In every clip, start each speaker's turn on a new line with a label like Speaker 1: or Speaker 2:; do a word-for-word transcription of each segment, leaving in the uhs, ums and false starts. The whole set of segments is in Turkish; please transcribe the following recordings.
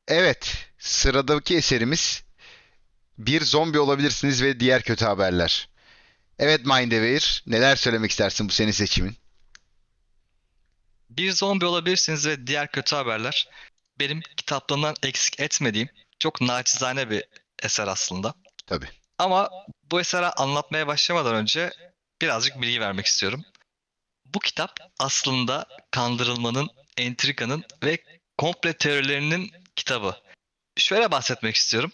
Speaker 1: Evet, sıradaki eserimiz Bir Zombi Olabilirsiniz ve Diğer Kötü Haberler. Evet Mindevir, neler söylemek istersin bu senin seçimin?
Speaker 2: Bir zombi olabilirsiniz ve diğer kötü haberler benim kitaplarından eksik etmediğim çok naçizane bir eser aslında.
Speaker 1: Tabii.
Speaker 2: Ama bu eseri anlatmaya başlamadan önce birazcık bilgi vermek istiyorum. Bu kitap aslında kandırılmanın, entrikanın ve komple teorilerinin kitabı. Şöyle bahsetmek istiyorum.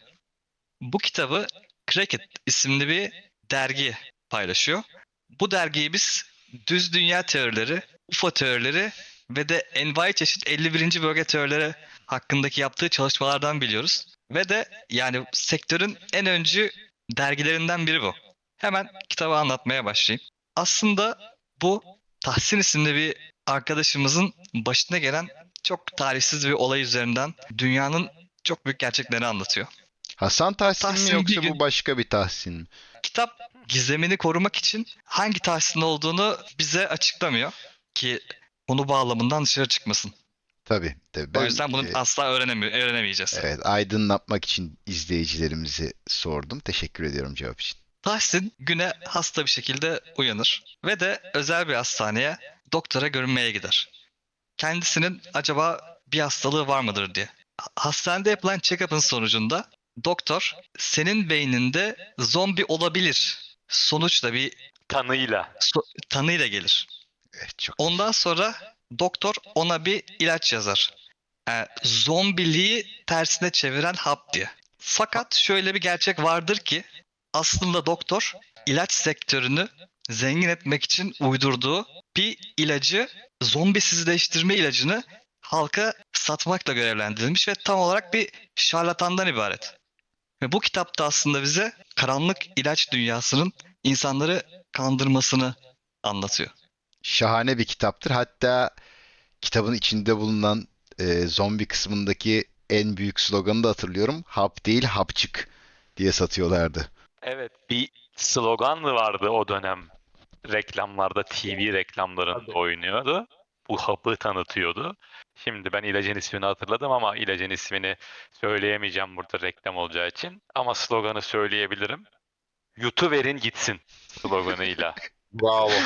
Speaker 2: Bu kitabı Cracked isimli bir dergi paylaşıyor. Bu dergiyi biz düz dünya teorileri, U F O teorileri ve de envai çeşit elli birinci bölge teorileri hakkındaki yaptığı çalışmalardan biliyoruz. Ve de yani sektörün en öncü dergilerinden biri bu. Hemen kitabı anlatmaya başlayayım. Aslında bu Tahsin isimli bir arkadaşımızın başına gelen çok talihsiz bir olay üzerinden dünyanın çok büyük gerçeklerini anlatıyor.
Speaker 1: Hasan Tahsin mi
Speaker 2: Tahsin bir
Speaker 1: yoksa bu
Speaker 2: gün
Speaker 1: başka bir Tahsin mi?
Speaker 2: kitap gizemini korumak için hangi Tahsin olduğunu bize açıklamıyor ki konu bağlamından dışarı çıkmasın.
Speaker 1: Tabii, tabii.
Speaker 2: O
Speaker 1: Ben
Speaker 2: yüzden bunu
Speaker 1: e,
Speaker 2: asla öğrenemi öğrenemeyeceğiz.
Speaker 1: evet, aydınlatmak için izleyicilerimizi sordum. Teşekkür ediyorum cevap için.
Speaker 2: Tahsin güne hasta bir şekilde uyanır ve de özel bir hastaneye doktora görünmeye gider. Kendisinin acaba bir hastalığı var mıdır diye. Ha- Hastanede yapılan check-up'ın sonucunda doktor senin beyninde zombi olabilir sonuçla bir
Speaker 3: Tanıyla.
Speaker 2: so- tanıyla gelir.
Speaker 1: Evet, çok
Speaker 2: Ondan sonra doktor ona bir ilaç yazar. Yani zombiliği tersine çeviren hap diye. Fakat şöyle bir gerçek vardır ki aslında doktor ilaç sektörünü zengin etmek için uydurduğu bir ilacı zombisizleştirme ilacını halka satmakla görevlendirilmiş ve tam olarak bir şarlatandan ibaret. Ve bu kitapta aslında bize karanlık ilaç dünyasının insanları kandırmasını anlatıyor.
Speaker 1: şahane bir kitaptır. Hatta kitabın içinde bulunan e, zombi kısmındaki en büyük sloganı da hatırlıyorum. Hap değil, hapçık diye satıyorlardı.
Speaker 3: Evet, bir slogan vardı o dönem. Reklamlarda, T V reklamlarında oynuyordu. Bu hapı tanıtıyordu. Şimdi ben ilacın ismini hatırladım ama ilacın ismini söyleyemeyeceğim burada reklam olacağı için. Ama sloganı söyleyebilirim. Yutuverin gitsin sloganıyla.
Speaker 4: Bravo.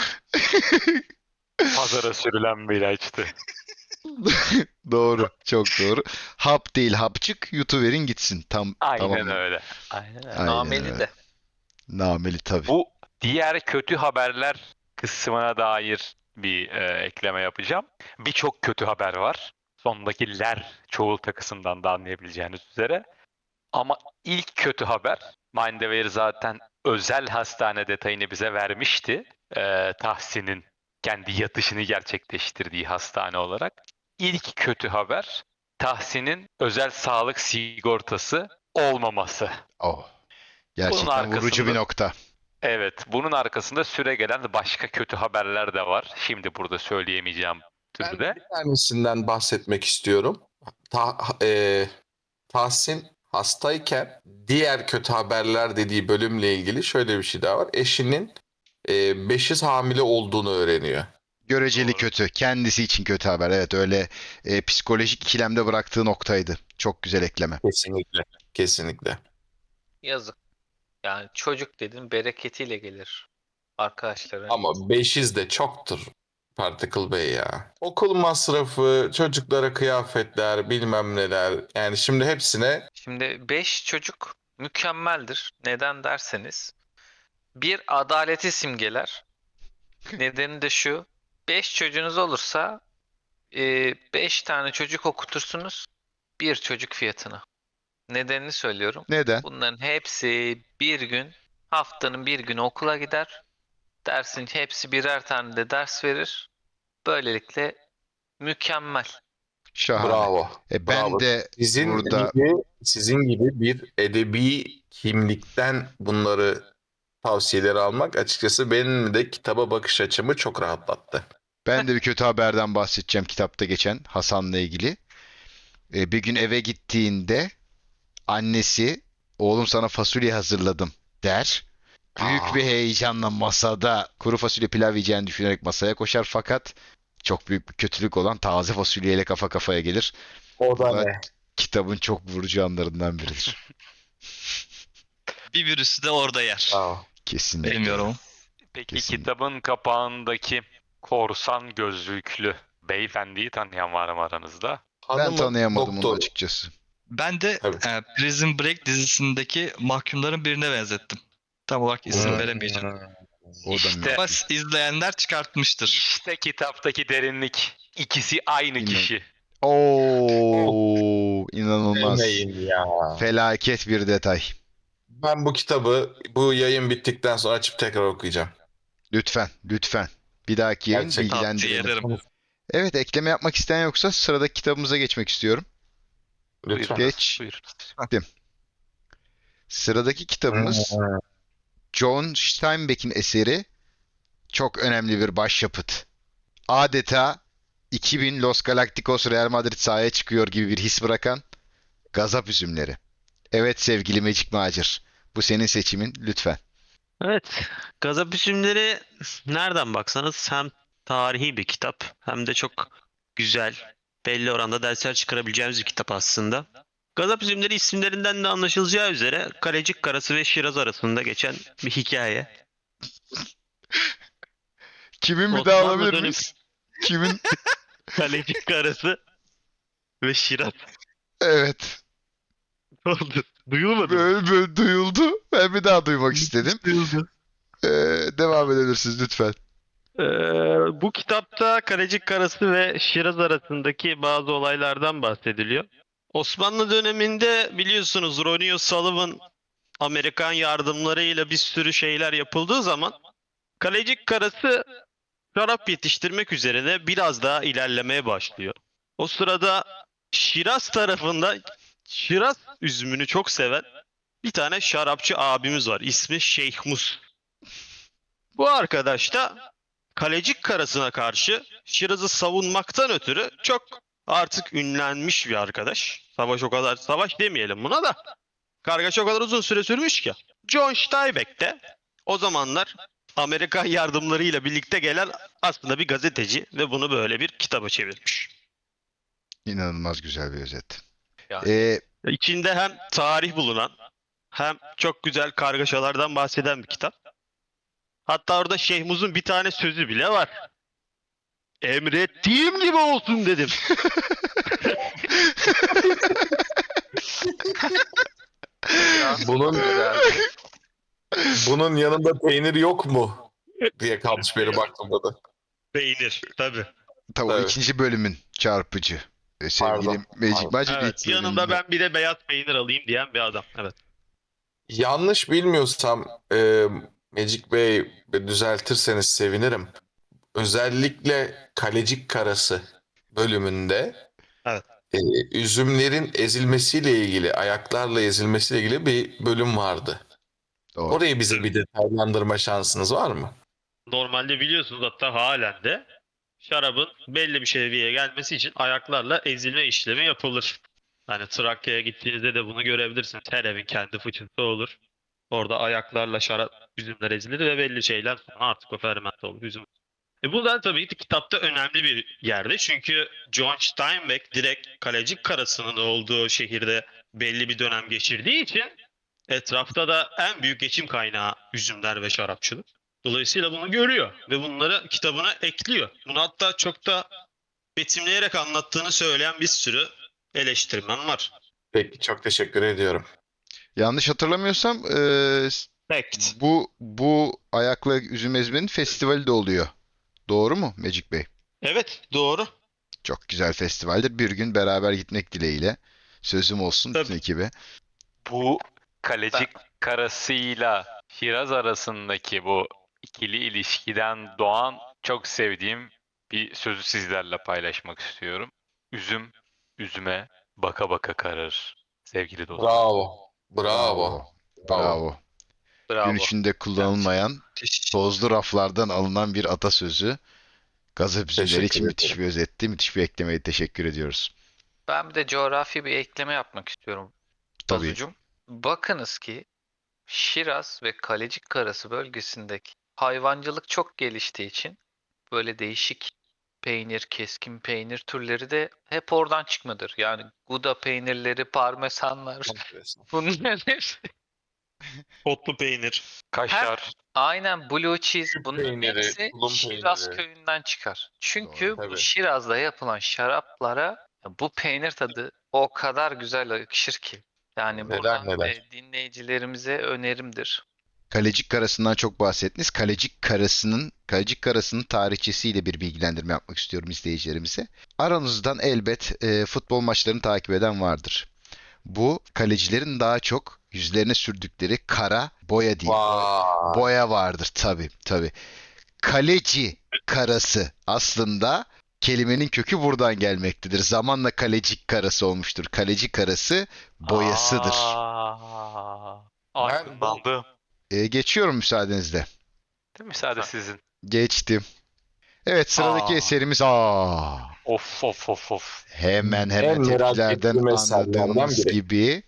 Speaker 3: Pazara sürülen bir ilaçtı.
Speaker 1: Doğru, çok doğru. Hap değil, hapçık, yutuverin gitsin. Tam
Speaker 3: Aynen
Speaker 1: tamam.
Speaker 3: öyle. Aynen öyle.
Speaker 1: Aynen
Speaker 4: Nameli
Speaker 1: öyle.
Speaker 4: de.
Speaker 1: Nameli tabii.
Speaker 3: Bu diğer kötü haberler kısmına dair bir e, ekleme yapacağım. Birçok kötü haber var. Sondaki ler çoğul takısından da anlayabileceğiniz üzere. Ama ilk kötü haber, Mindware zaten özel hastane detayını bize vermişti. E, Tahsin'in kendi yatışını gerçekleştirdiği hastane olarak. İlk kötü haber, Tahsin'in özel sağlık sigortası olmaması.
Speaker 1: Oh.
Speaker 3: Bunun
Speaker 1: Gerçekten vurucu bir
Speaker 3: arkasında
Speaker 1: nokta.
Speaker 3: Evet, bunun arkasında süregelen başka kötü haberler de var. Şimdi burada söyleyemeyeceğim
Speaker 4: Ben
Speaker 3: türde.
Speaker 4: bir tanesinden bahsetmek istiyorum. Ta, e, Tahsin hastayken diğer kötü haberler dediği bölümle ilgili şöyle bir şey daha var. Eşinin e, beşiz hamile olduğunu öğreniyor.
Speaker 1: Göreceli
Speaker 3: Doğru.
Speaker 1: kötü. Kendisi için kötü haber. Evet, öyle e, psikolojik ikilemde bıraktığı noktaydı. Çok güzel ekleme.
Speaker 4: Kesinlikle. Kesinlikle.
Speaker 5: Yazık. Yani çocuk dedin bereketiyle gelir arkadaşları.
Speaker 4: Ama beşiz de çoktur Particle Bey ya. Okul masrafı, çocuklara kıyafetler, bilmem neler. Yani şimdi hepsine
Speaker 5: Şimdi beş çocuk mükemmeldir. Neden derseniz bir adaleti simgeler. Nedeni de şu. Beş çocuğunuz olursa e, beş tane çocuk okutursunuz bir çocuk fiyatına. Nedenini söylüyorum.
Speaker 1: Neden?
Speaker 5: Bunların hepsi bir gün haftanın bir günü okula gider. Dersin hepsi birer tane de ders verir. Böylelikle mükemmel.
Speaker 1: Şahane.
Speaker 4: bravo.
Speaker 1: E, ben
Speaker 4: Bravo.
Speaker 1: de
Speaker 4: Sizin
Speaker 1: burada
Speaker 4: gibi sizin gibi bir edebi kimlikten bunları tavsiyeleri almak açıkçası benim de kitaba bakış açımı çok rahatlattı.
Speaker 1: ben de bir kötü haberden bahsedeceğim kitapta geçen Hasan'la ilgili. E, bir gün eve gittiğinde annesi oğlum sana fasulye hazırladım der. Büyük bir
Speaker 4: Aa,
Speaker 1: heyecanla masada kuru fasulye pilav yiyeceğini düşünerek masaya koşar fakat çok büyük bir kötülük olan taze fasulyeyle kafa kafaya gelir.
Speaker 4: o
Speaker 1: Bu
Speaker 4: da
Speaker 1: da
Speaker 4: ne?
Speaker 1: kitabın çok vurucu anlarından biridir.
Speaker 2: Bir virüsü de orada yer.
Speaker 4: Bravo.
Speaker 1: Kesinlikle.
Speaker 2: Benim yorumum.
Speaker 3: Peki
Speaker 1: Kesin.
Speaker 3: kitabın kapağındaki korsan gözlüklü beyefendiyi tanıyan var mı aranızda?
Speaker 1: Ben
Speaker 4: Hanımın
Speaker 1: tanıyamadım onu
Speaker 4: doktoru.
Speaker 1: açıkçası.
Speaker 2: Ben de
Speaker 4: Tabii.
Speaker 2: e, Prison Break dizisindeki mahkumların birine benzettim. Tam olarak isim
Speaker 4: Hmm.
Speaker 2: veremeyeceğim.
Speaker 1: O da
Speaker 3: İşte-
Speaker 2: Ama izleyenler çıkartmıştır.
Speaker 3: İşte kitaptaki derinlik. İkisi aynı
Speaker 1: İnan-
Speaker 3: kişi.
Speaker 1: Oo, inanılmaz.
Speaker 4: Demeyin ya.
Speaker 1: Felaket bir detay.
Speaker 4: Ben bu kitabı bu yayın bittikten sonra açıp tekrar okuyacağım.
Speaker 1: Lütfen, lütfen. Bir dahaki yayın
Speaker 4: Gerçekten.
Speaker 2: Tavsiye
Speaker 1: bilgilendirelim.
Speaker 2: ederim.
Speaker 1: Evet, ekleme yapmak isteyen yoksa sıradaki kitabımıza geçmek istiyorum.
Speaker 4: Lütfen.
Speaker 1: Geç.
Speaker 3: Buyurun.
Speaker 1: Sıradaki kitabımız John Steinbeck'in eseri, çok önemli bir başyapıt. Adeta iki bin Los Galacticos Real Madrid sahaya çıkıyor gibi bir his bırakan Gazap Üzümleri. Evet sevgili Magic Macir, bu senin seçimin lütfen.
Speaker 6: Evet, Gazap İsimleri nereden baksanız hem tarihi bir kitap hem de çok güzel, belli oranda dersler çıkarabileceğimiz bir kitap aslında. Gazap İsimleri isimlerinden de anlaşılacağı üzere Kalecik Karası ve Şiraz arasında geçen bir hikaye.
Speaker 1: Kimin bir
Speaker 6: Osmanlı
Speaker 1: daha alabilir
Speaker 6: dönemi-
Speaker 1: miyiz? Kimin?
Speaker 6: Kalecik Karası ve Şiraz.
Speaker 1: Evet.
Speaker 6: Oldu. Duyulmadı mı?
Speaker 1: Böyle, böyle duyuldu. Ben bir daha duymak istedim.
Speaker 6: Duyuldu.
Speaker 1: Ee, devam edebilirsiniz lütfen.
Speaker 6: Ee, bu kitapta Kalecik Karası ve Şiraz arasındaki bazı olaylardan bahsediliyor. Osmanlı döneminde biliyorsunuz Ronnie O'Sullivan Amerikan yardımlarıyla bir sürü şeyler yapıldığı zaman Kalecik Karası şarap yetiştirmek üzerine biraz daha ilerlemeye başlıyor. O sırada Şiraz tarafında Şiraz üzümünü çok seven bir tane şarapçı abimiz var. İsmi Şeyh Mus. Bu arkadaş da Kalecik Karası'na karşı Şiraz'ı savunmaktan ötürü çok artık ünlenmiş bir arkadaş. Savaş o kadar, savaş demeyelim buna da. Kargaşa o kadar uzun süre sürmüş ki. John Steinbeck de o zamanlar Amerikan yardımlarıyla birlikte gelen aslında bir gazeteci ve bunu böyle bir kitaba çevirmiş.
Speaker 1: İnanılmaz güzel bir özet.
Speaker 3: Yani.
Speaker 1: Ee,
Speaker 6: İçinde hem tarih bulunan hem çok güzel kargaşalardan bahseden bir kitap. Hatta orada Şeyh Muz'un bir tane sözü bile var. Emrettiğim gibi olsun dedim.
Speaker 4: Bunun
Speaker 5: Güzel.
Speaker 4: bunun yanında peynir yok mu diye kalmış benim aklımda da.
Speaker 6: Peynir tabii.
Speaker 1: tabii o
Speaker 4: Evet.
Speaker 1: ikinci bölümün çarpıcı. Ee, sevgili
Speaker 4: Pardon,
Speaker 1: Magic
Speaker 4: pardon.
Speaker 1: Magic
Speaker 6: Evet,
Speaker 1: ilk
Speaker 6: yanında
Speaker 1: bölümünde.
Speaker 6: ben bir de beyaz peynir alayım diyen bir adam. Evet.
Speaker 4: Yanlış bilmiyorsam e, Magic Bey düzeltirseniz sevinirim. Özellikle Kalecik Karası bölümünde
Speaker 6: Evet.
Speaker 4: e, üzümlerin ezilmesiyle ilgili, ayaklarla ezilmesiyle ilgili bir bölüm vardı.
Speaker 1: Doğru.
Speaker 4: Orayı bize bir detaylandırma şansınız var mı?
Speaker 6: Normalde biliyorsunuz hatta halen de şarabın belli bir seviyeye gelmesi için ayaklarla ezilme işlemi yapılır. Hani Trakya'ya gittiğinizde de bunu görebilirsiniz. Her evin kendi fıçısı olur. Orada ayaklarla şarap üzümler ezilir ve belli şeyler sonra artık o fermente olur. Üzüm. E bu da tabii ki kitapta önemli bir yerde. Çünkü John Steinbeck direkt Kalecik Karası'nın olduğu şehirde belli bir dönem geçirdiği için etrafta da en büyük geçim kaynağı üzümler ve şarapçılık. Dolayısıyla bunu görüyor ve bunları kitabına ekliyor. Bunu hatta çok da betimleyerek anlattığını söyleyen bir sürü eleştirmen var.
Speaker 4: Peki, çok teşekkür ediyorum.
Speaker 1: Yanlış hatırlamıyorsam ee,
Speaker 6: Fact.
Speaker 1: bu bu ayakla üzüm ezmenin festivali de oluyor. Doğru mu Magic Bey?
Speaker 6: Evet, doğru.
Speaker 1: Çok güzel festivaldir. Bir gün beraber gitmek dileğiyle. Sözüm olsun bütün
Speaker 6: Tabii.
Speaker 1: ekibe.
Speaker 3: Bu Kalecik Karası'yla Şiraz arasındaki bu ikili ilişkiden doğan çok sevdiğim bir sözü sizlerle paylaşmak istiyorum. Üzüm, üzüme baka baka kararır sevgili dostum.
Speaker 4: Bravo. Bravo.
Speaker 1: Bravo.
Speaker 5: Bravo.
Speaker 1: Gün içinde kullanılmayan, tozlu raflardan alınan bir atasözü. Gazap üzümleri
Speaker 4: Teşekkür
Speaker 1: için müthiş
Speaker 4: ederim.
Speaker 1: bir özetti. Müthiş bir eklemeye teşekkür ediyoruz.
Speaker 5: Ben bir de coğrafi bir ekleme yapmak istiyorum
Speaker 1: Tabii.
Speaker 5: Tazucuğum. Bakınız ki Şiraz ve Kalecik Karası bölgesindeki hayvancılık çok geliştiği için böyle değişik peynir, keskin peynir türleri de hep oradan çıkmadır. Yani Gouda peynirleri, parmesanlar bunların hepsi.
Speaker 6: Otlu peynir.
Speaker 3: Kaşar.
Speaker 5: Aynen blue cheese bunların
Speaker 4: peyniri,
Speaker 5: hepsi
Speaker 4: tulum
Speaker 5: Şiraz
Speaker 4: peyniri.
Speaker 5: köyünden çıkar. Çünkü
Speaker 1: Doğru,
Speaker 5: bu
Speaker 4: tabii.
Speaker 5: Şiraz'da yapılan şaraplara bu peynir tadı o kadar güzel yakışır ki. Yani
Speaker 1: Neler
Speaker 5: buradan
Speaker 4: neler.
Speaker 5: e, dinleyicilerimize önerimdir.
Speaker 1: Kalecik karasından çok bahsettiniz. Kalecik karasının Kalecik karasının tarihçesiyle bir bilgilendirme yapmak istiyorum izleyicilerimize. Aranızdan elbet e, futbol maçlarını takip eden vardır. Bu kalecilerin daha çok yüzlerine sürdükleri kara boya değil. Boya,
Speaker 4: Vay.
Speaker 1: boya vardır tabii tabii. Kaleci karası aslında kelimenin kökü buradan gelmektedir. Zamanla kalecik karası olmuştur. Kaleci karası boyasıdır.
Speaker 3: Aa,
Speaker 4: Ben
Speaker 3: aydınlandım.
Speaker 1: E, geçiyorum müsaadenizle.
Speaker 3: Değil mi? Müsaade sizin.
Speaker 1: Geçtim. Evet sıradaki
Speaker 3: Aa.
Speaker 1: eserimiz aa.
Speaker 3: Of of of of.
Speaker 1: Hemen hemen
Speaker 4: En merak
Speaker 1: tepkilerden
Speaker 4: ettiğim eserlerden
Speaker 1: anladığımız
Speaker 4: biri.
Speaker 1: gibi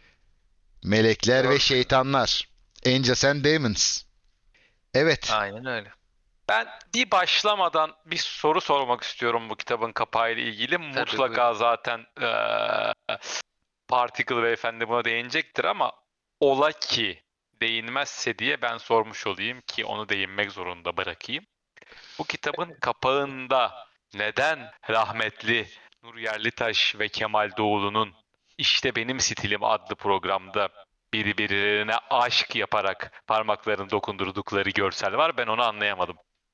Speaker 1: melekler ve
Speaker 4: Gördüm.
Speaker 1: şeytanlar. Angels and Demons. Evet.
Speaker 5: Aynen öyle.
Speaker 3: Ben bir başlamadan bir soru sormak istiyorum bu kitabın kapağıyla ilgili. Mutlaka zaten eee Particle Beyefendi buna değinecektir ama ola ki değinmezse diye ben sormuş olayım ki onu değinmek zorunda bırakayım. Bu kitabın kapağında neden rahmetli Nur Yerlitaş ve Kemal Doğulu'nun İşte Benim Stilim adlı programda birbirlerine aşk yaparak parmaklarını dokundurdukları görsel var? Ben onu anlayamadım.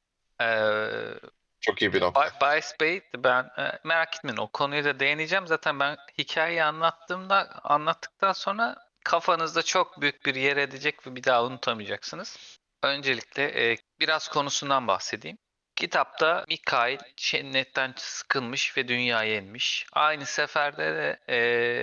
Speaker 5: Ee,
Speaker 4: Çok iyi bir nokta.
Speaker 5: Bay- Bayes Bey ben e, merak etmeyin o konuya da değineceğim. Zaten ben hikayeyi anlattığımda anlattıktan sonra kafanızda çok büyük bir yer edecek ve bir daha unutamayacaksınız. Öncelikle e, biraz konusundan bahsedeyim. Kitapta Mikail cennetten sıkılmış ve dünyaya inmiş. Aynı seferde de e,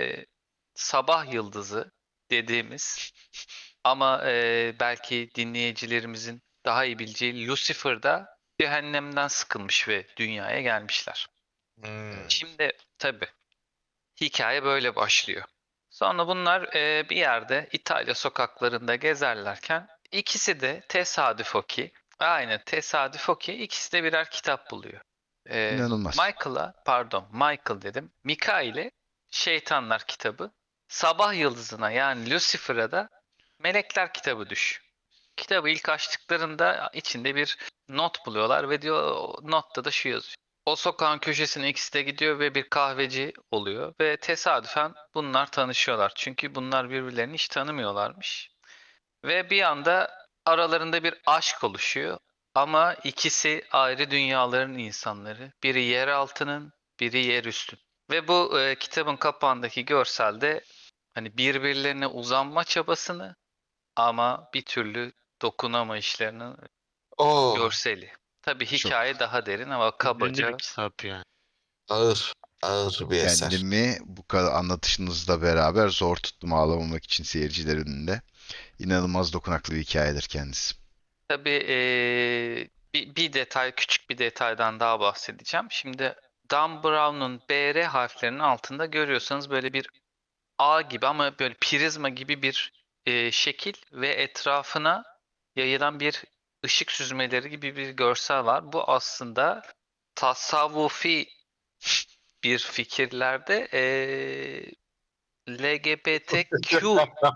Speaker 5: sabah yıldızı dediğimiz ama e, belki dinleyicilerimizin daha iyi bileceği Lucifer'da cehennemden sıkılmış ve dünyaya gelmişler.
Speaker 4: Hmm.
Speaker 5: Şimdi tabii hikaye böyle başlıyor. Sonra bunlar e, bir yerde İtalya sokaklarında gezerlerken ikisi de tesadüf o ki, aynen tesadüf o ki ikisi de birer kitap buluyor. E,
Speaker 1: İnanılmaz.
Speaker 5: Michael'a, pardon Michael dedim, Mikail'e Şeytanlar kitabı, Sabah Yıldızı'na yani Lucifer'a da Melekler kitabı düş. Kitabı ilk açtıklarında içinde bir not buluyorlar ve diyor o notta da şu yazıyor. O sokağın köşesine ikisi de gidiyor ve bir kahveci oluyor ve tesadüfen bunlar tanışıyorlar. Çünkü bunlar birbirlerini hiç tanımıyorlarmış. Ve bir anda aralarında bir aşk oluşuyor. Ama ikisi ayrı dünyaların insanları. Biri yer altının, biri yer üstün. Ve bu e, kitabın kapağındaki görselde hani birbirlerine uzanma çabasını ama bir türlü dokunamayışlarının
Speaker 4: Oo,
Speaker 5: görseli. Tabii hikaye daha derin ama kabaca
Speaker 6: Ünlü bir kitap yani.
Speaker 4: ağır. Ağır bir eser.
Speaker 1: Kendimi bu kadar anlatışınızla beraber zor tuttum ağlamamak için seyirciler önünde. İnanılmaz dokunaklı bir hikayedir kendisi.
Speaker 5: tabii eee, bir, bir detay, küçük bir detaydan daha bahsedeceğim. Şimdi Dan Brown'un B R harflerinin altında görüyorsanız böyle bir A gibi ama böyle prizma gibi bir eee, şekil ve etrafına yayılan bir ışık süzmeleri gibi bir görsel var. Bu aslında tasavvufi bir fikirlerde eee L G B T Q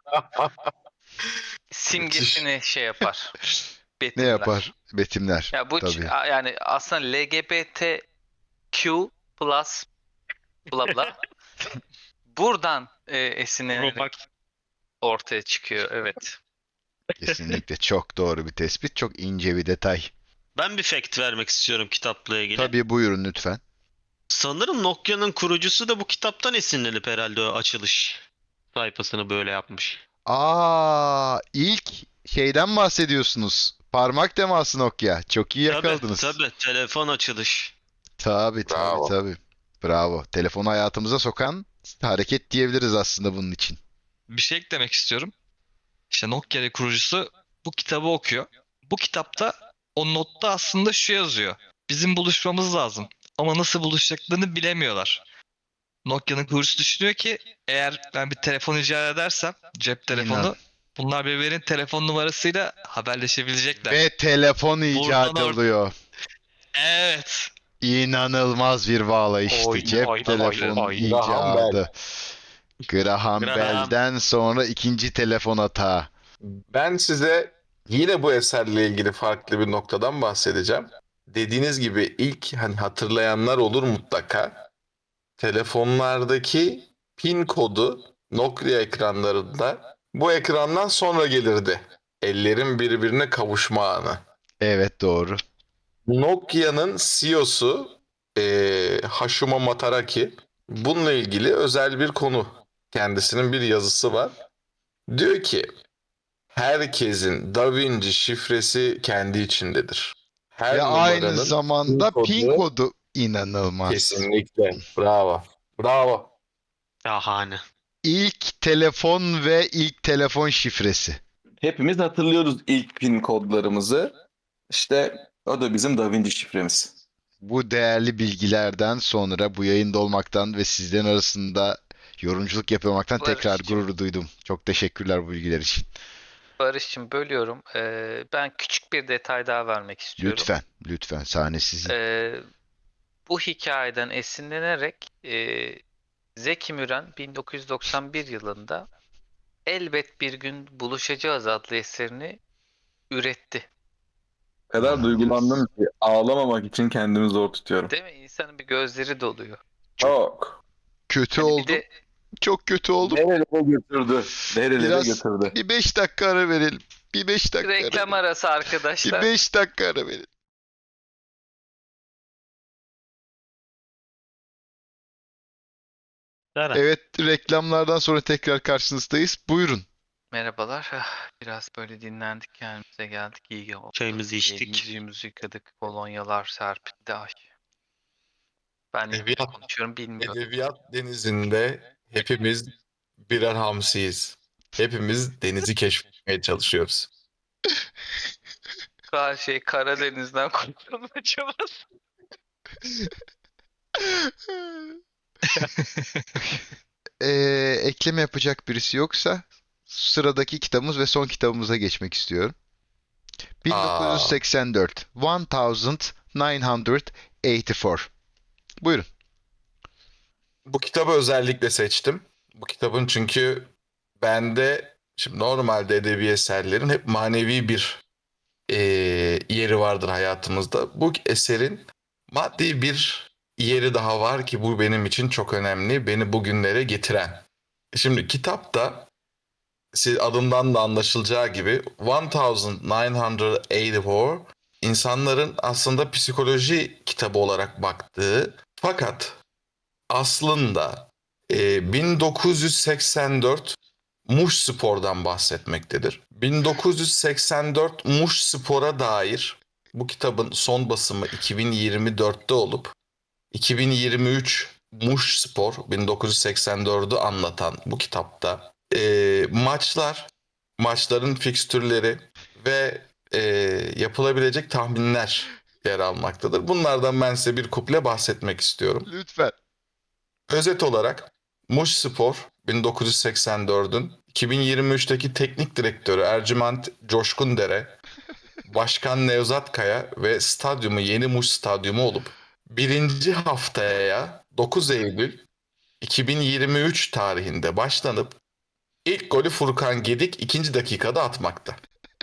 Speaker 5: simgesini şey yapar.
Speaker 1: Ne
Speaker 5: Betimler.
Speaker 1: yapar? Betimler.
Speaker 5: Ya bu ç-
Speaker 1: Tabii.
Speaker 5: a- yani aslında L G B T Q plus bla bla buradan e, esinlenerek
Speaker 6: Robux.
Speaker 5: ortaya çıkıyor. Evet.
Speaker 1: Kesinlikle çok doğru bir tespit. Çok ince bir detay.
Speaker 6: Ben bir fact vermek istiyorum kitapla ilgili.
Speaker 1: Tabii buyurun lütfen.
Speaker 6: Sanırım Nokia'nın kurucusu da bu kitaptan esinlenip herhalde o açılış sayfasını böyle yapmış.
Speaker 1: Aa, ilk şeyden bahsediyorsunuz. Parmak teması Nokia. Çok iyi
Speaker 6: Tabii
Speaker 1: yakaladınız.
Speaker 6: tabii telefon açılış.
Speaker 1: Tabii tabii
Speaker 4: Bravo.
Speaker 1: tabii. Bravo. Telefonu hayatımıza sokan hareket diyebiliriz aslında bunun için.
Speaker 2: Bir şey eklemek istiyorum. İşte Nokia'nın kurucusu bu kitabı okuyor. Bu kitapta o notta aslında şu yazıyor. Bizim buluşmamız lazım. Ama nasıl buluşacaklarını bilemiyorlar. Nokia'nın kurucusu düşünüyor ki eğer ben bir telefon icat edersem cep telefonu
Speaker 1: İnan.
Speaker 2: bunlar birbirinin telefon numarasıyla haberleşebilecekler.
Speaker 1: Ve telefon icat
Speaker 2: Buradan or-
Speaker 1: oluyor.
Speaker 2: Evet.
Speaker 1: İnanılmaz bir bağlayıştı.
Speaker 3: Oy,
Speaker 1: Cep
Speaker 3: oy,
Speaker 1: telefonu
Speaker 3: oy, oy.
Speaker 4: Graham Bell.
Speaker 1: icadı. Graham
Speaker 6: Graham.
Speaker 1: Bell'den sonra ikinci telefon hata.
Speaker 4: Ben size yine bu eserle ilgili farklı bir noktadan bahsedeceğim. Dediğiniz gibi ilk hani hatırlayanlar olur mutlaka. Telefonlardaki pin kodu Nokia ekranlarında bu ekrandan sonra gelirdi. Ellerin birbirine kavuşma anı.
Speaker 1: Evet, doğru.
Speaker 4: Nokia'nın C E O'su eee Hashimo Mataraki bununla ilgili özel bir konu. Kendisinin bir yazısı var. Diyor ki herkesin Da Vinci şifresi kendi içindedir. Her
Speaker 1: Ve aynı
Speaker 4: numaranın
Speaker 1: zamanda
Speaker 4: pin
Speaker 1: pin
Speaker 4: kodu-
Speaker 1: kodu inanılmaz.
Speaker 4: Kesinlikle. Bravo. Bravo.
Speaker 6: Şahane.
Speaker 1: İlk telefon ve ilk telefon şifresi.
Speaker 4: Hepimiz hatırlıyoruz ilk pin kodlarımızı. İşte o da bizim Da Vinci şifremiz.
Speaker 1: Bu değerli bilgilerden sonra bu yayında olmaktan ve sizlerin arasında yorumculuk yapmaktan tekrar
Speaker 5: Barış'cığım.
Speaker 1: gurur duydum. Çok teşekkürler bu bilgiler için.
Speaker 5: Barış'cığım bölüyorum. Ee, ben küçük bir detay daha vermek istiyorum.
Speaker 1: Lütfen, lütfen sahne sizin.
Speaker 5: Ee, bu hikayeden esinlenerek e, Zeki Müren bin dokuz yüz doksan bir yılında Elbet Bir Gün Buluşacağız adlı eserini üretti.
Speaker 4: O kadar duygulandım ki ağlamamak için kendimi zor tutuyorum.
Speaker 5: Değil mi? İnsanın bir gözleri doluyor.
Speaker 4: Çok.
Speaker 1: Kötü
Speaker 5: Hani bir
Speaker 1: oldum.
Speaker 5: de
Speaker 1: Çok kötü oldum.
Speaker 4: Nerelere götürdü? Nerelere
Speaker 1: Biraz
Speaker 4: götürdü?
Speaker 1: bir beş dakika ara verelim. Bir beş dakika ara
Speaker 5: reklam
Speaker 1: verelim.
Speaker 5: arası
Speaker 1: Bir
Speaker 5: arkadaşlar.
Speaker 1: beş dakika ara verelim.
Speaker 6: Dara.
Speaker 1: Evet, reklamlardan sonra tekrar karşınızdayız. Buyurun.
Speaker 5: Merhabalar. Ah, Biraz böyle dinlendik, kendimize geldik. İyi oldu.
Speaker 6: Çayımızı içtik.
Speaker 5: Yüzümüzü yıkadık. Kolonyalar serpildi. Ay. Ben niye
Speaker 4: Edebiyat-
Speaker 5: konuşuyorum bilmiyorum.
Speaker 4: Edebiyat denizinde hepimiz birer hamsiyiz. Hepimiz denizi keşfetmeye çalışıyoruz.
Speaker 5: Her şey Karadeniz'den kurtulma çabası.
Speaker 1: Ee, ekleme yapacak birisi yoksa sıradaki kitabımız ve son kitabımıza geçmek istiyorum. bin dokuz yüz seksen dört. bin dokuz yüz seksen dört. Buyurun.
Speaker 4: Bu kitabı özellikle seçtim. Bu kitabın çünkü bende şimdi normalde edebi eserlerin hep manevi bir eee, yeri vardır hayatımızda. Bu eserin maddi bir yeri daha var ki bu benim için çok önemli. Beni bugünlere getiren. Şimdi kitapta siz adından da anlaşılacağı gibi bin dokuz yüz seksen dört insanların aslında psikoloji kitabı olarak baktığı fakat aslında e, bin dokuz yüz seksen dört Muş Spor'dan bahsetmektedir. bin dokuz yüz seksen dört Muş Spor'a dair bu kitabın son basımı iki bin yirmi dörtte olup iki bin yirmi üç Muş Spor bin dokuz yüz seksen dördü anlatan bu kitapta e, maçlar, maçların fikstürleri ve e, yapılabilecek tahminler yer almaktadır. Bunlardan ben size bir kuple bahsetmek istiyorum.
Speaker 1: Lütfen.
Speaker 4: Özet olarak Muş Spor bin dokuz yüz seksen dördün iki bin yirmi üçteki teknik direktörü Ercüment Coşkundere, Başkan Nevzat Kaya ve stadyumu Yeni Muş Stadyumu olup birinci haftaya dokuz Eylül iki bin yirmi üç tarihinde başlanıp ilk golü Furkan Gedik ikinci dakikada atmakta.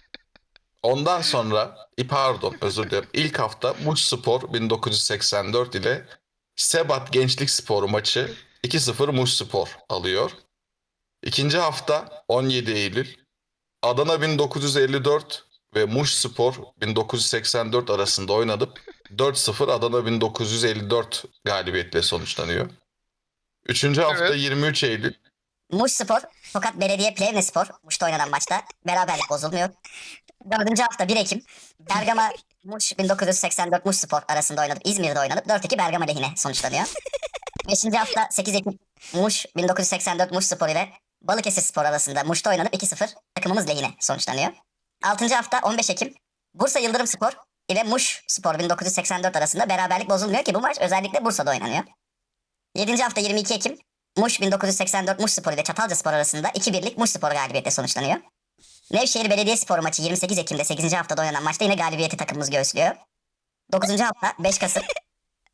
Speaker 4: Ondan sonra, e, pardon özür dilerim, ilk hafta Muş Spor bin dokuz yüz seksen dört ile Sebat Gençlik Spor maçı iki sıfır Muş Spor alıyor. İkinci hafta on yedi Eylül Adana bin dokuz yüz elli dört ve Muş Spor bin dokuz yüz seksen dört arasında oynanıp dört sıfır Adana bin dokuz yüz elli dört galibiyetle sonuçlanıyor. Üçüncü hafta
Speaker 1: Evet.
Speaker 4: yirmi üç Eylül
Speaker 7: Muş Spor, Tokat Belediye Plevne Spor, Muş'ta oynanan maçta beraberlik bozulmuyor. Dördüncü hafta bir Ekim, Bergama Muş bin dokuz yüz seksen dört Muş Spor arasında oynanıp İzmir'de oynanıp dört iki Bergama lehine sonuçlanıyor. Beşinci hafta sekiz Ekim, Muş bin dokuz yüz seksen dört Muş Spor ile Balıkesir Spor arasında Muş'ta oynanıp iki sıfır takımımız lehine sonuçlanıyor. Altıncı hafta on beş Ekim, Bursa Yıldırım Spor ile Muş Spor bin dokuz yüz seksen dört arasında beraberlik bozulmuyor ki bu maç özellikle Bursa'da oynanıyor. Yedinci hafta yirmi iki Ekim, Muş bin dokuz yüz seksen dört Muş Spor ile Çatalca Spor arasında iki birlik Muş Spor galibiyetle sonuçlanıyor. Nevşehir Belediyespor maçı yirmi sekiz Ekim'de sekizinci haftada oynanan maçta yine galibiyeti takımımız göğüslüyor. dokuzuncu hafta beş Kasım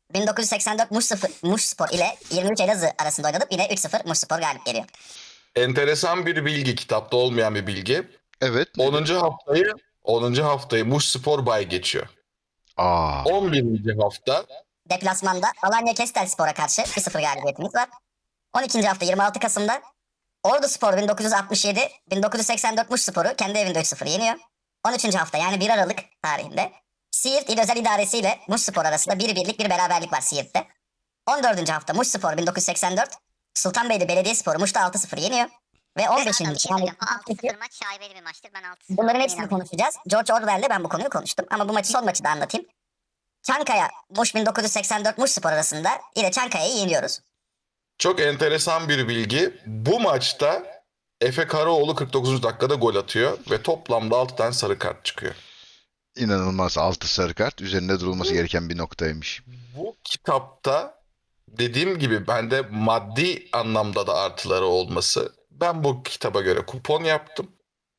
Speaker 7: bin dokuz yüz seksen dört Muş, sıfır, Muş Spor ile yirmi üç Elazığ arasında oynanıp yine üç sıfır Muş Spor galip geliyor.
Speaker 4: Enteresan bir bilgi, kitapta olmayan bir bilgi.
Speaker 1: Evet. nedir?
Speaker 4: onuncu haftayı onuncu haftayı Muş Spor bay geçiyor.
Speaker 1: Aa,
Speaker 4: on birinci hafta
Speaker 7: Deplasmanda Alanya Kestel Spor'a karşı bir sıfır galibiyetimiz var. on ikinci hafta yirmi altı Kasım'da Ordu Spor bin dokuz yüz altmış yedi bin dokuz yüz seksen dört Muş Spor'u kendi evinde üç sıfır yeniyor. on üçüncü hafta yani bir Aralık tarihinde Siirt İl Özel İdaresi ile Muş Spor arasında bir birlik bir beraberlik var Siirt'te. on dördüncü hafta Muş Spor bin dokuz yüz seksen dört Sultanbeyli Belediyespor'u Muş'ta altı sıfır yeniyor. Ve on beşinci
Speaker 8: Bir şey
Speaker 7: yani
Speaker 8: söyleyeceğim. O altı sıfır maç şaibeli bir maçtır. Ben altı sıfır
Speaker 7: bunların hepsini
Speaker 8: inanıyorum.
Speaker 7: konuşacağız. George Orwell'le ben bu konuyu konuştum. Ama bu maçı son maçı da anlatayım. Çankaya, Muş bin dokuz yüz seksen dört Muş Spor arasında yine Çankaya'yı yeniyoruz.
Speaker 4: çok enteresan bir bilgi. Bu maçta Efe Karaoğlu kırk dokuzuncu dakikada gol atıyor ve toplamda altı tane sarı kart çıkıyor.
Speaker 1: inanılmaz. Altı sarı kart. Üzerinde durulması gereken bir noktaymış.
Speaker 4: Bu kitapta dediğim gibi bende maddi anlamda da artıları olması. Ben bu kitaba göre kupon yaptım.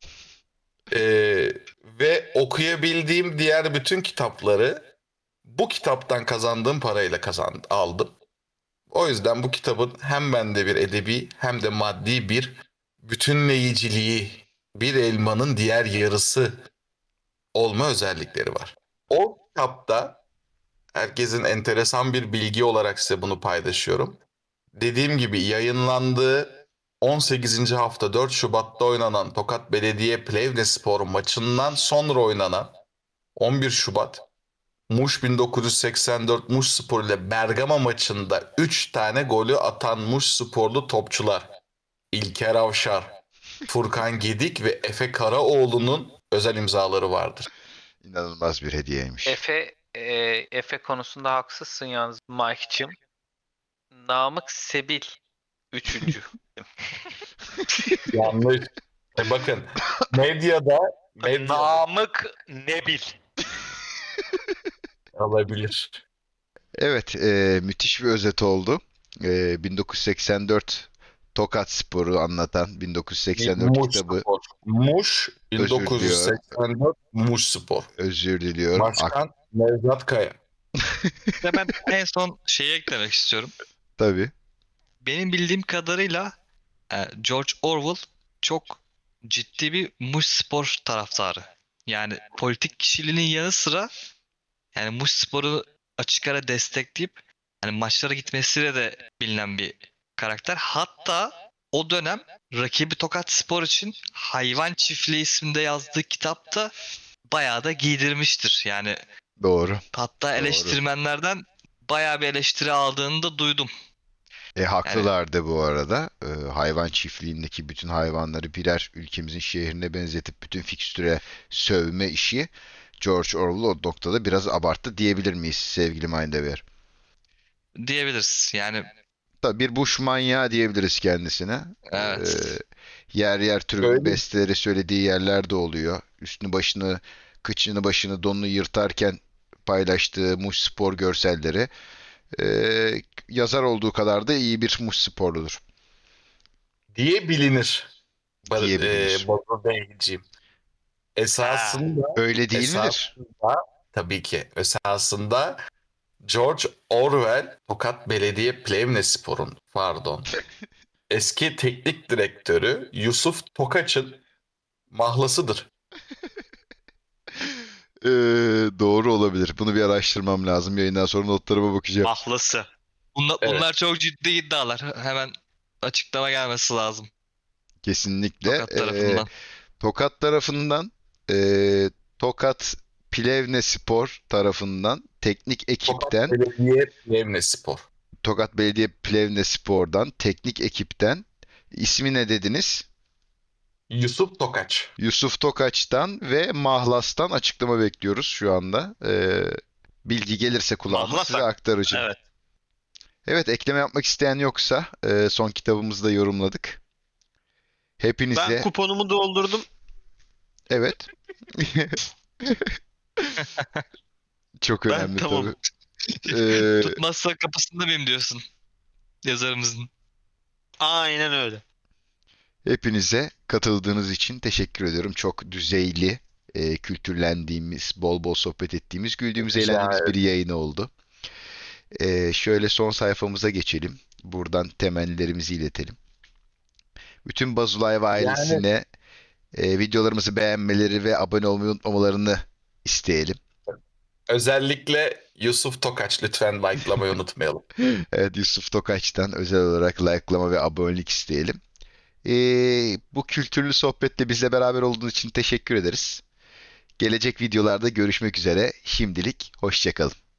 Speaker 4: Ee, ve okuyabildiğim diğer bütün kitapları bu kitaptan kazandığım parayla kazandım, aldım. O yüzden bu kitabın hem bende bir edebi hem de maddi bir bütünleyiciliği, bir elmanın diğer yarısı olma özellikleri var. O kitapta herkesin enteresan bir bilgi olarak size bunu paylaşıyorum. Dediğim gibi yayınlandığı on sekizinci hafta dört Şubat'ta oynanan Tokat Belediye Plevnespor maçından sonra oynanan on bir Şubat Muş bin dokuz yüz seksen dört Muş Spor ile Bergama maçında üç tane golü atan Muş Sporlu topçular İlker Avşar, Furkan Gedik ve Efe Karaoğlu'nun özel imzaları vardır.
Speaker 1: İnanılmaz bir hediyeymiş.
Speaker 5: Efe e, Efe konusunda haksızsın yalnız Mike'cığım. Namık Sebil üçüncü.
Speaker 4: Yanlış. E bakın medyada medya
Speaker 3: Namık Nebil.
Speaker 4: alabilir.
Speaker 1: Evet, e, müthiş bir özet oldu. E, bin dokuz yüz seksen dört Tokat Spor'u anlatan bin dokuz yüz seksen dört
Speaker 4: Muş
Speaker 1: kitabı.
Speaker 4: Spor. Muş
Speaker 1: Özür
Speaker 4: bin dokuz yüz seksen dört Muş Spor.
Speaker 1: Özür diliyorum. Ak-
Speaker 4: Başkan Nevzat Kaya.
Speaker 2: Ve ben en son şeyi eklemek istiyorum.
Speaker 1: tabii.
Speaker 2: Benim bildiğim kadarıyla e, George Orwell çok ciddi bir Muş Spor taraftarı. Yani politik kişiliğinin yanı sıra yani Muş Spor'u açık ara destekleyip hani maçlara gitmesiyle de bilinen bir karakter. Hatta o dönem rakibi Tokat Spor için Hayvan Çiftliği isminde yazdığı kitapta bayağı da giydirmiştir. Yani
Speaker 1: Doğru.
Speaker 2: hatta eleştirmenlerden bayağı bir eleştiri aldığını da duydum.
Speaker 1: E, haklılar da bu arada. E, hayvan çiftliğindeki bütün hayvanları birer ülkemizin şehrine benzetip bütün fikstüre sövme işi George Orwell o noktada biraz abarttı diyebilir miyiz sevgili Mindweaver?
Speaker 2: Diyebiliriz. Yani
Speaker 1: Tabii bir Bush manyağı diyebiliriz kendisine.
Speaker 2: evet.
Speaker 1: Ee, yer yer türkü
Speaker 4: Öyle.
Speaker 1: besteleri söylediği yerler de oluyor. Üstünü başını, kıçını başını donunu yırtarken paylaştığı Muş Spor görselleri. Ee, yazar olduğu kadar da iyi bir Muş sporludur.
Speaker 4: Diye bilinir. Ba-
Speaker 1: Diye bilinir.
Speaker 4: E, Batu Beyciğim. Esasında
Speaker 1: Öyle değil midir?
Speaker 4: esasında tabii ki esasında George Orwell Tokat Belediye Plevnespor'un pardon eski teknik direktörü Yusuf Tokaç'ın mahlasıdır.
Speaker 1: Ee, doğru olabilir. Bunu bir araştırmam lazım. Yayından sonra notlarıma bakacağım.
Speaker 6: Mahlası.
Speaker 2: Bunlar,
Speaker 4: Evet.
Speaker 2: bunlar çok ciddi iddialar. Hemen açıklama gelmesi lazım.
Speaker 1: Kesinlikle.
Speaker 2: Tokat
Speaker 1: Ee,
Speaker 2: tarafından.
Speaker 1: Tokat tarafından e, Tokat Plevnespor tarafından teknik ekipten
Speaker 4: Tokat Belediye Plevnespor.
Speaker 1: Tokat Belediye Plevnespor'dan teknik ekipten ismi ne dediniz?
Speaker 4: Yusuf Tokaç.
Speaker 1: Yusuf Tokaç'tan ve Mahlas'tan açıklama bekliyoruz şu anda. Ee, bilgi gelirse kulağıma
Speaker 6: Mahlas
Speaker 1: size
Speaker 6: hak-
Speaker 1: aktaracağım.
Speaker 6: Evet.
Speaker 1: Evet, ekleme yapmak isteyen yoksa e, son kitabımızı da yorumladık. Hepinize
Speaker 6: Ben kuponumu doldurdum.
Speaker 1: evet. Çok
Speaker 6: Ben
Speaker 1: önemli
Speaker 6: tamam.
Speaker 1: tabii. Ee,
Speaker 2: Tutmazsa kapısında mıyım diyorsun yazarımızın.
Speaker 6: Aynen öyle.
Speaker 1: Hepinize katıldığınız için teşekkür ediyorum. Çok düzeyli, e, kültürlendiğimiz, bol bol sohbet ettiğimiz, güldüğümüz,
Speaker 4: Rica
Speaker 1: eğlendiğimiz bir
Speaker 4: ederim.
Speaker 1: yayın oldu. Ee, şöyle son sayfamıza geçelim. Buradan temennilerimizi iletelim. Bütün Bazulay ve ailesine e, videolarımızı beğenmeleri ve abone olmayı unutmamalarını isteyelim.
Speaker 4: Özellikle Yusuf Tokaç lütfen likelamayı unutmayalım.
Speaker 1: Evet, Yusuf Tokaç'tan özel olarak like'lama ve abonelik isteyelim. Ee, bu kültürlü sohbetle bizle beraber olduğun için teşekkür ederiz. Gelecek videolarda görüşmek üzere. Şimdilik hoşça kalın.